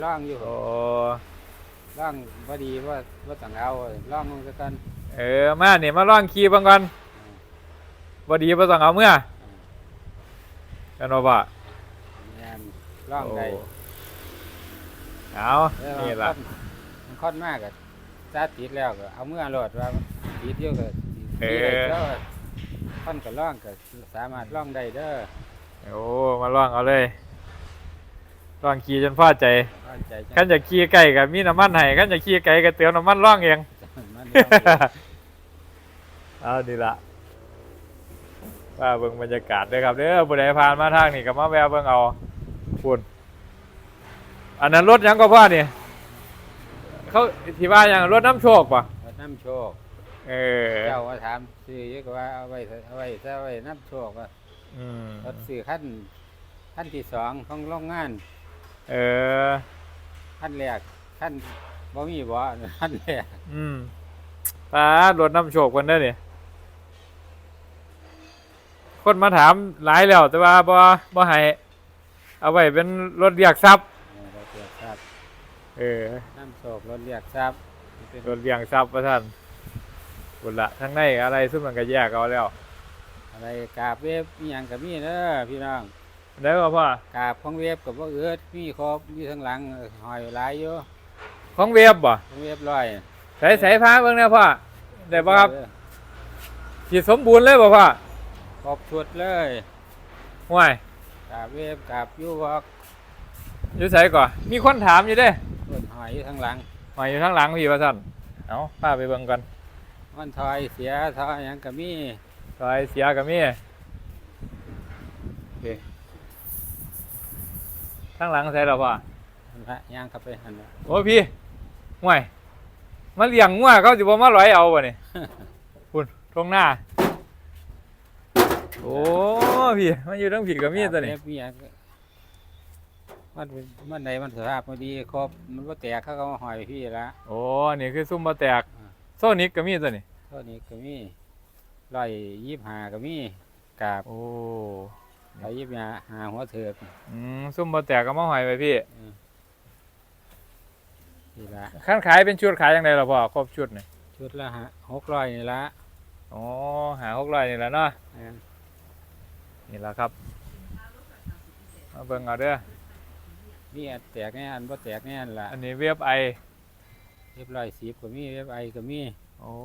ร่องอยู่โอ้ร่องพอดีว่าต้องเอาร่องมันก็กันมาเนี่ยมาลองขี่เบิ่งก่อนบ่ดีบ่ต้องเอาเมื่อกันว่าแมนร่องใดเอานี่ล่ะมันค่อนมากอะจ้าติดแล้วก็เอาเมื่อรถว่าติดเยอะก็แล้วค่อนกับร่องก็สามารถร่องได้เด้อโอ้มาลองเอาเลยลองขี่จนพอใจร่องใจคันจะขี่ไกลก็มีน้ำมันให้คันจะขี่ไกลก็เติมน้ำมันร่องเองมันเอาดีละว่าเบิ่งบรรยากาศด้วยครับเด้อผู้ใดผ่านมาทางนี่ก็มาแวะเบิ่งเอาคุณอันนั้นรถหยังก็พ่อนี่เขาที่ว่าหยังรถน้ำโชคป่ะวัดน้ำโชคเออเจ้าว่าถามซื้อเยอะกว่าเอาไว้น้ำโชคว่าร ถซื้อขั้นที่สองของโรงงานเออขั้นแรกขั้นบ่มีบ่ขั้นแรกตารถน้ำโชคคนได้อนี่คนมาถามหลายแล้วแต่ว่าบ่ให้เอาไว้เป็นรถเรียกทรัพย์รถเรียกทรัพย์น้ำโชครถเรียกทรัพย์เป็นรถเรียกทรัพย์ว่าท่านบุญละทั้งในอะไรซึ่งมันก็แยกเอาแล้วอะไรกาบเวฟมีหยังกับมีเด้อพี่น้องได้ป่ะพ่อกาบของเวฟกับว่ามีครบมีทั้งหลังหอยหลายอยู่ของเวฟบ่ของเวฟร้อยใส่ผ้าเบิ่งนะพ่อได้ป่ะครับที่สมบูรณ์เลยป่ะพ่อครบชุดเลยห่วยกาบเวฟกาบยูวอกอยู่ใส่ก่อนมีคนถามอยู่เด้ต้นหอยอยู่ทั้งหลังมาอยู่ข้างหลังพี่ว่าท่านเอาป้าไปเบิ่งกันมันถอยเสียถอยหยังกับมีซอยเสียกับมีโอเคข้างหลังใส่แล้วพ่อมันพะย่างเข้าไปหันน่ะโอ้พี่ห่วยมาเลี้ยงงัวเขาสิบ่มาร้อยเอาบ่นี่ คุณตรงหน้าโอ้พี่มันอยู่ทั้งผิดกับมีดตัวนี้กาบเวฟมีหยังมันใดมันสภาพมันดีครบมันบ่แตกเขาก็มาหอยพี่ละโอ้นี่คือซุ่มบ่แตกโซนิกกับมีดตัวนี้เท่านี้ก็มี125ก็มีกาบโอ้ 125หัวเถิกซุ่มบ่แตกก็มาหอยไปพี่นี่ละขั้นขายเป็นชุดขายยังไงล่ะพ่อครบชุดนี่ชุดละ600นี่ละอ๋อหา600นี่แหละเนาะอ่านี่แหละครับมาเบิ่งเอาเด้อมีอันแตกแน่อันบ่แตกแน่นล่ะอันนี้เว็บไอเรียบ110ก็มีเรียบไอก็มีโอ้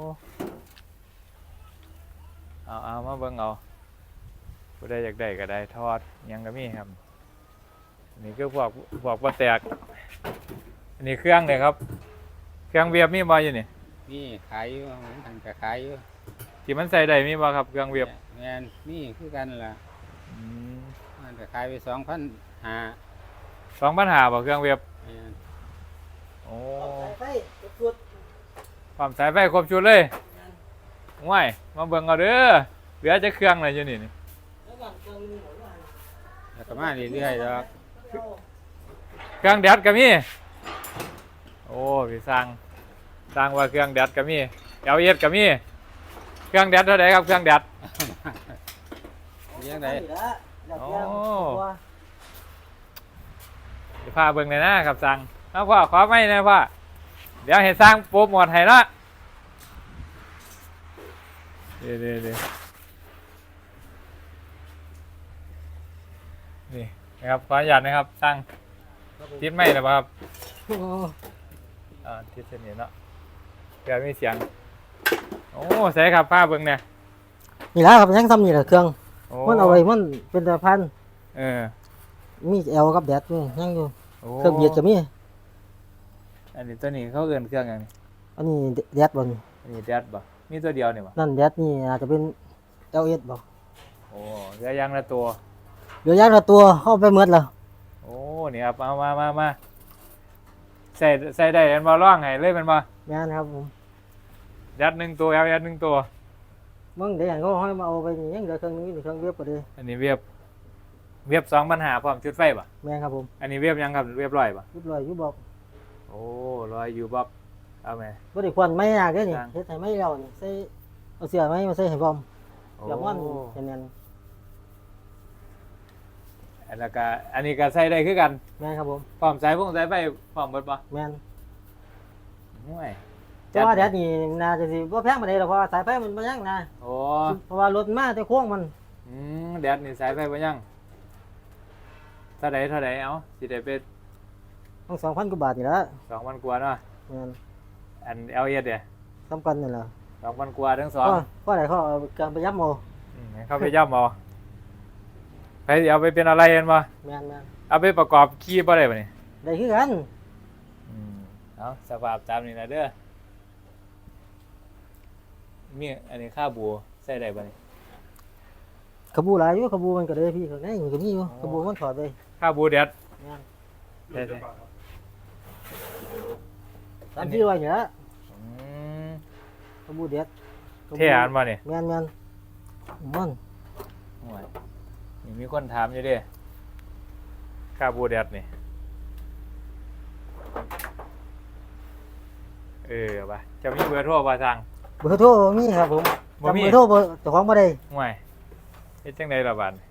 เอามาเบิ่งเอาผู้ใดอยากได้ก็ได้ทอดหยังก็มีครับอันนี้คือพวกบ่แตกอันนี้เครื่องเนี่ยครับเครื่องเว็บมีบ่อยู่นี่มีขายอยู่มันทางก็ขายอยู่ที่มันใส่ได้มีบ่ครับเครื่องเว็บแม่นมีคือกันล่ะอืมมันก็ขายไป2,500 2,500บ่เครื่องเว็บแม่นโอ้ไฟสุดความสายไฟครบชุดเลยง่ายมาเบิ่งเอาเด้อเหลือจะเครื่องอะไรอยู่นี่แล้วก็เครื่องนึงหมดว่าแล้วก็มาเรื่อยๆดอกเครื่องแดดก็มีโอ้พี่สร้างว่าเครื่องแดดก็มีLSก็มีเครื่องแดดเท่าไหร่ครับเครื่องแดดเลี้ยงได้แล้วโอ้ตัวสิพาเบิ่งเลยนะครับสั่งเอาพ่อขอไม่นะพ่อเดี๋ยวให้สร้างโปรโมทให้ละเดี๋ยวนี่นะครับขออนุญาตนะครับสร้างทิศไม่หรือเปล่าครับทิศเส้นนี้เนาะเดี๋ยวมีเสียงโอ้ใส่ครับป้าเบิ่งเนี่ยนี่แหละครับยังทำนี่แหละเครื่องโอ้มันเอาไว้มันเป็นตะพันเออมีเอลกับแดดอยู่ยังอยู่โอ้เครื่องเบียดก็มีอันนี้ตัวนี้เขาเอิ้นเครื่องอย่างนี้อันนี้แดดบนอันนี้แดดบ่มีตัวเดียวนี่บ่นั่นแดดนี่อาจจะเป็น LS บ่โอ้เหลืออยังละตัวเหลือยางละตัวเข้าไปหมดแล้วโอ้นี่ครับเอามาใส่ได้กันบ่ร่องให้เลยแมันบ่งานครับผมยัดหนึ่งตัวยัดหนึ่งตัวมึงเดี๋ยวเขาให้มาเอาไปนี่ยังเหลือเครื่องนึงอยู่เครื่องเว็บก็ดีอันนี้เวียบ2,500พร้อมชุดไฟบ่แม่นครับผมอันนี้เวียบยังครับเวียบร้อยบ่ยุบลอยยุบบอกโอ้ร้อยอยู่บ่เอาไหมบ่ได้ควันไม่ยากเด้อนี่จ้างเฮ็ดให้ไม่แล้วนี่ใส่เอาเสื้อไม้มาใส่ให้พร้อมโอ้อย่าม่อนแน่นแล้วก็อันนี้ก็ใส่ได้คือกันแม่นครับผมพร้อมสายสายไฟพร้อมเบิดบ่แม่นห่วยแต่ว่าแดดนี่น่าจะสิบ่แพงปานใดหรอกเพราะว่าสายไฟมันบ่ยังนะโอ้เพราะว่ารถมาแต่โค้งมันแดดนี่สายไฟบ่ยังเท่าใดเอาสิได้ไปต้อง2,000กว่าบาทนี่ละ 2,000กว่าเนาะแม่นอัน LS เด้สำคัญนี่ล่ะ 2,000กว่าทั้งสองก็ได้เขาเอาการไปยับเอาให้เข้าไปย่ำเอาไปสิเอาไปเป็นอะไรกันบ่แม่นแม่นเอาไปประกอบขี่บ่ได้บ่นี่ได้คือกันเอาสภาพตามนี้นะเด้อมีอันนี้ค่าบัวใส่ได้บ่นี่ขบูหลายอยู่ขบูมันก็ได้พี่ข้างในมันก็มีอยู่ขบูมันถอดไปค่าบัวแดดแม่นได้ 3-400นี่ละอืมขบูเด็ดเท่อันบ่นี่แม่นแม่นมันโอ้ยนี่มีคนถามอยู่เด้ค่าบัวแดดนี่ไปจะมีเบอร์โทรบ่สั่งเบอร์โทรมีครับผมบ่มีจำเบอร์โทรเบอร์เจ้าของบ่ได้ห่วยเฮ็ดจังไดล่ะบัดนี้